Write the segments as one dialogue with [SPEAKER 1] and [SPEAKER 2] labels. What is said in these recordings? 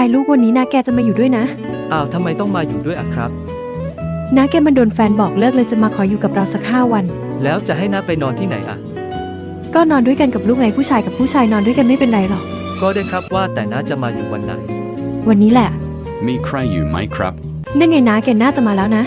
[SPEAKER 1] ายลูกวันนี้นาแกจะมาอยู่ด้วยนะ
[SPEAKER 2] อ้าวทำไมต้องมาอยู่ด้วยอะครับ
[SPEAKER 1] นาแกมันโดนแฟนบอกเลิกเลยจะมาขออยู่กับเราสัก5 วัน
[SPEAKER 2] แล้วจะให้น้าไปนอนที่ไหนอะ
[SPEAKER 1] ก็นอนด้วยกันกับลูกไงผู้ชายกับผู้ชายนอนด้วยกันไม่เป็นไรหรอก
[SPEAKER 2] ก็ได้ครับว่าแต่น้าจะมาอยู่วันไหน
[SPEAKER 1] วันนี้แหละ
[SPEAKER 3] มีใครอยู่ไหมครับ
[SPEAKER 1] นั่นไงนาแกน่าจะมาแล้วนะ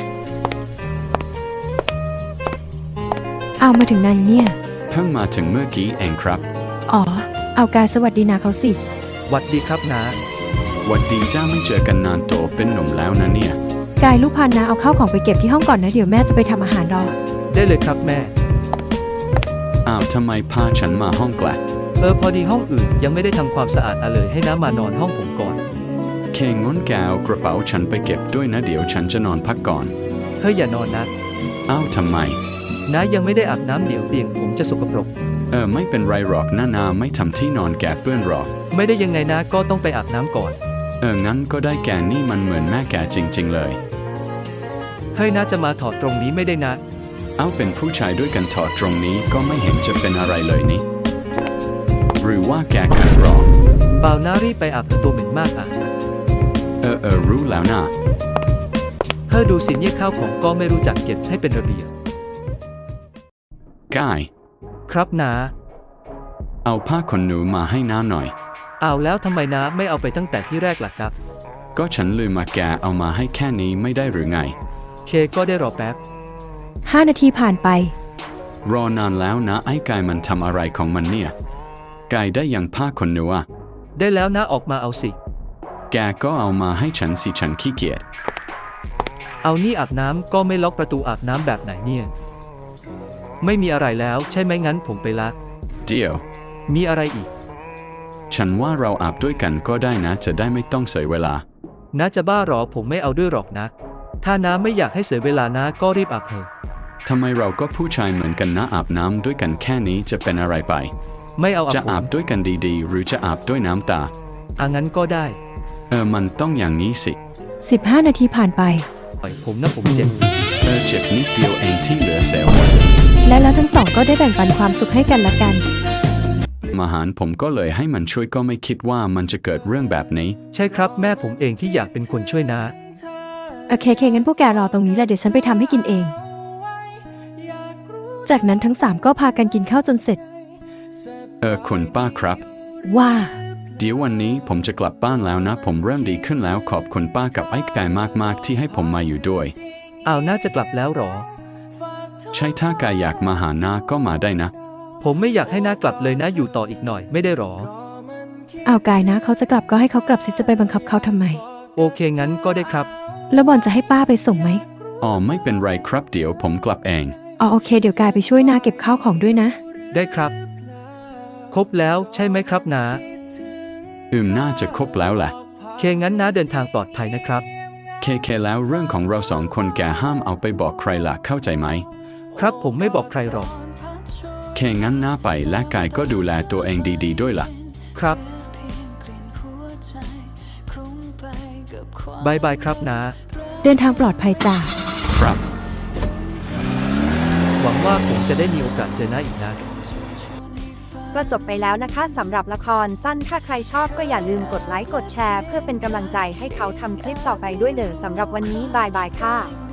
[SPEAKER 1] เอามาถึงนายเนี่ย
[SPEAKER 3] เพิ่งมาถึงเมื่อกี้เองครับ
[SPEAKER 1] อ๋อเอากายสวัสดีนาเขาสิ
[SPEAKER 2] หวัดดีครับน้า
[SPEAKER 3] หวัดดีจ้าไม่เจอกันนานโตเป็นหนุ่มแล้วนะเนี่ย
[SPEAKER 1] กายลูกพานาเอาข้าวของไปเก็บที่ห้องก่อนนะเดี๋ยวแม่จะไปทำอาหารรอ
[SPEAKER 2] ได้เลยครับแม่
[SPEAKER 3] อ้าวทำไมพาฉันมาห้องแกละ
[SPEAKER 2] พอดีห้องอื่นยังไม่ได้ทำความสะอาดเลยให้น้ามานอนห้องผมก่อน
[SPEAKER 3] เคงนแกเอากระเป๋าฉันไปเก็บด้วยนะเดี๋ยวฉันจะนอนพักก่อน
[SPEAKER 2] เฮ้ยอย่านอนนะ
[SPEAKER 3] อ้าวทำไม
[SPEAKER 2] น้ายังไม่ได้อาบน้ำเดี๋ยวเตียงผมจะสกปรก
[SPEAKER 3] ไม่เป็นไรหรอกนาไม่ทำที่นอนแกเปื้อนหรอก
[SPEAKER 2] ไม่ได้ยังไงนะก็ต้องไปอาบน้ำก่อน
[SPEAKER 3] งั้นก็ได้แกนี่มันเหมือนแม่แกจริงๆเลย
[SPEAKER 2] เฮ้ยน้าจะมาถอดตรงนี้ไม่ได้นะ
[SPEAKER 3] เป็นผู้ชายด้วยกันถอดตรงนี้ก็ไม่เห็นจะเป็นอะไรเลยนี่หรือว่าแกขัดรอ
[SPEAKER 2] เปล่าน้ารีบไปอาบตัวเหม็นมาก
[SPEAKER 3] รู้แล้วนะ
[SPEAKER 2] ดูสิเนี่ยข้าวของก็ไม่รู้จักเก็บให้เป็นระเบียบ
[SPEAKER 3] กาย
[SPEAKER 2] ครับน้า
[SPEAKER 3] เอาผ้าขนหนูมาให้น้าหน่อย
[SPEAKER 2] เอาแล้วทำไมน้าไม่เอาไปตั้งแต่ที่แรกล่ะครับ
[SPEAKER 3] ก็ฉันลืมมาแกเอามาให้แค่นี้ไม่ได้หรือไง
[SPEAKER 2] เคก็ได้รอแป๊บ
[SPEAKER 1] 5 นาทีผ่านไป
[SPEAKER 3] รอนานแล้วนะไอ้กายมันทำอะไรของมันเนี่ยกายได้ยังผ้าขนหนูอะ
[SPEAKER 2] ได้แล้วนะออกมาเอาสิ
[SPEAKER 3] แกก็เอามาให้ฉันสิฉันขี้เกียจ
[SPEAKER 2] เอานี่อาบน้ำก็ไม่ล็อกประตูอาบน้ำแบบไหนเนี่ยไม่มีอะไรแล้วใช่ไหมงั้นผมไปละ
[SPEAKER 3] เดี๋ยว
[SPEAKER 2] มีอะไรอีก
[SPEAKER 3] ฉันว่าเราอาบด้วยกันก็ได้นะจะได้ไม่ต้องเสียเวลา
[SPEAKER 2] น้าจะบ้าหรอผมไม่เอาด้วยหรอกนะถ้าน้าไม่อยากให้เสียเวลาน้าก็รีบอาบเถอะ
[SPEAKER 3] ทำไมเราก็ผู้ชายเหมือนกันนะอาบน้ำด้วยกันแค่นี้จะเป็นอะไรไป
[SPEAKER 2] ไม่เอา
[SPEAKER 3] จะอาบด้วยกันดีๆหรือจะอาบด้วยน้ำตา
[SPEAKER 2] งั้นก็ได้
[SPEAKER 3] มันต้องอย่างนี้สิ
[SPEAKER 1] 15 นาทีผ่านไป
[SPEAKER 2] ผมนะผมเจ็บ
[SPEAKER 3] เจ็บนิดเดียวเองที่เหลือเสียหมด
[SPEAKER 1] และแล้วทั้งสองก็ได้แบ่งปันความสุขให้กันและกัน
[SPEAKER 3] มาหารผมก็เลยให้มันช่วยก็ไม่คิดว่ามันจะเกิดเรื่องแบบนี้
[SPEAKER 2] ใช่ครับแม่ผมเองที่อยากเป็นคนช่วยนะ
[SPEAKER 1] โอเคงั้นพวกแกรอตรงนี้แหละเดี๋ยวฉันไปทำให้กินเองจากนั้นทั้ง3ก็พากันกินข้าวจนเสร็จ
[SPEAKER 3] คุณป้าครับ
[SPEAKER 1] ว่า
[SPEAKER 3] เดี๋ยววันนี้ผมจะกลับบ้านแล้วนะผมเริ่มดีขึ้นแล้วขอบคุณป้ากับไอ้กายมากๆที่ให้ผมมาอยู่ด้วย
[SPEAKER 2] น่าจะกลับแล้วหรอ
[SPEAKER 3] ใช่ถ้ากายอยากมาหาน้าก็มาได้นะ
[SPEAKER 2] ผมไม่อยากให้น้ากลับเลยนะอยู่ต่ออีกหน่อยไม่ได้หร
[SPEAKER 1] อกายนะเขาจะกลับก็ให้เขากลับสิจะไปบังคับเขาทำไม
[SPEAKER 2] โอเคงั้นก็ได้ครับ
[SPEAKER 1] แล้วบอลจะให้ป้าไปส่งไหม
[SPEAKER 3] ไม่เป็นไรครับเดี๋ยวผมกลับเอง
[SPEAKER 1] โอเคเดี๋ยวกายไปช่วยน้าเก็บข้าวของด้วยนะ
[SPEAKER 2] ได้ครับครบแล้วใช่ไหมครับน้า
[SPEAKER 3] น่าจะครบแล้วแหละ
[SPEAKER 2] งั้นน้าเดินทางปลอดภัยนะครับ
[SPEAKER 3] เคแล้วเรื่องของเรา2 คนแกห้ามเอาไปบอกใครล่ะเข้าใจไหม
[SPEAKER 2] ครับผมไม่บอกใครหรอก
[SPEAKER 3] งั้นน้าไปและกายก็ดูแลตัวเองดีๆด้วยล่ะ
[SPEAKER 2] ครับบายบายครับน้า
[SPEAKER 1] เดินทางปลอดภัยจ้า
[SPEAKER 3] ครับ
[SPEAKER 2] หวังว่าผมจะได้มีโอกาสเจอน้าอีกนะ
[SPEAKER 4] ก็จบไปแล้วนะคะสำหรับละครสั้นถ้าใครชอบก็อย่าลืมกดไลค์กดแชร์เพื่อเป็นกำลังใจให้เขาทำคลิปต่อไปด้วยเด้อสำหรับวันนี้บายบายค่ะ